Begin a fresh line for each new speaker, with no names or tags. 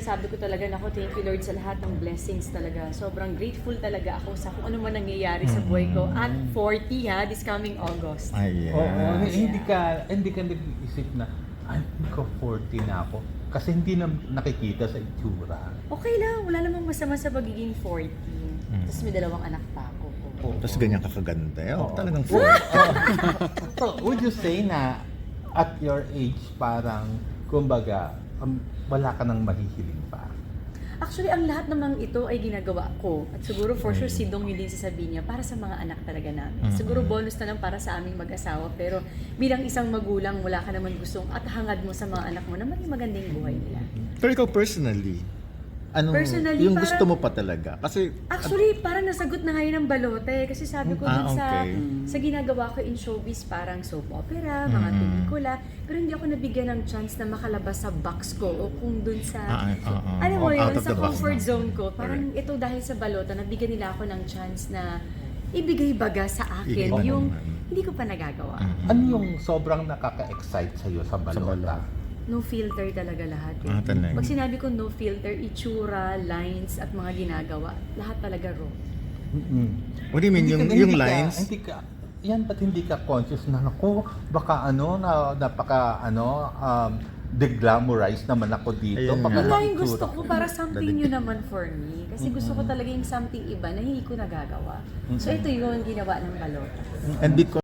sinasabi ko talaga, nako, thank you Lord sa lahat ng blessings talaga. Sobrang grateful talaga ako sa kung ano man nangyayari sa buhay ko at 40 ha, this coming August.
Ay,
Oo,
yeah.
hindi ka nag-iisip na, ay, ko 40 na ako. Kasi hindi na nakikita sa itsura.
Okay lang, wala namang masama sa pagiging 40. Tapos may 2 anak pa ako.
Tapos ganyan ka kaganda. Oh,
Oo.
talagang
So, would you say na at your age parang, kumbaga, wala ka nang mahihiling pa?
Actually, ang lahat namang ito ay ginagawa ko. At siguro for sure si Dong yun din sasabihin niya, para sa mga anak talaga namin. Siguro bonus na lang para sa aming mag-asawa. Pero bilang isang magulang, wala ka naman gustong at hangad mo sa mga anak mo na maging magandang buhay nila.
Pero ikaw personally,
Personally,
yung
parang-
gusto mo pa talaga? Kasi,
Actually, parang nasagot na ngayon ng balote. Kasi sabi ko dun
okay.
sa ginagawa ko in showbiz, parang soap opera, mga pelikula. Pero hindi ako nabigyan ng chance na makalabas sa box ko o kung dun sa... alam mo yun,
Out of
sa
the box
comfort
na.
zone ko. Parang ito dahil sa balota, nabigyan nila ako ng chance na ibigay baga sa akin
Iba
yung
naman.
hindi ko pa nagagawa.
Ano yung sobrang nakaka-excite sa'yo sa balota?
No filter talaga lahat.
talaga.
Pag sinabi ko no filter, itsura, lines, at mga ginagawa, lahat talaga raw.
What do you mean? Yung lines?
Yan, ba't hindi ka conscious na, naku, baka napaka, de-glamorize naman ako dito.
Ayun
Baka
Yun lang yung
itsura
gusto ko
ko.
para something new naman for me. Kasi gusto ko talaga yung something iba na hindi ko nagagawa. So ito yung ginawa ng balota.
And because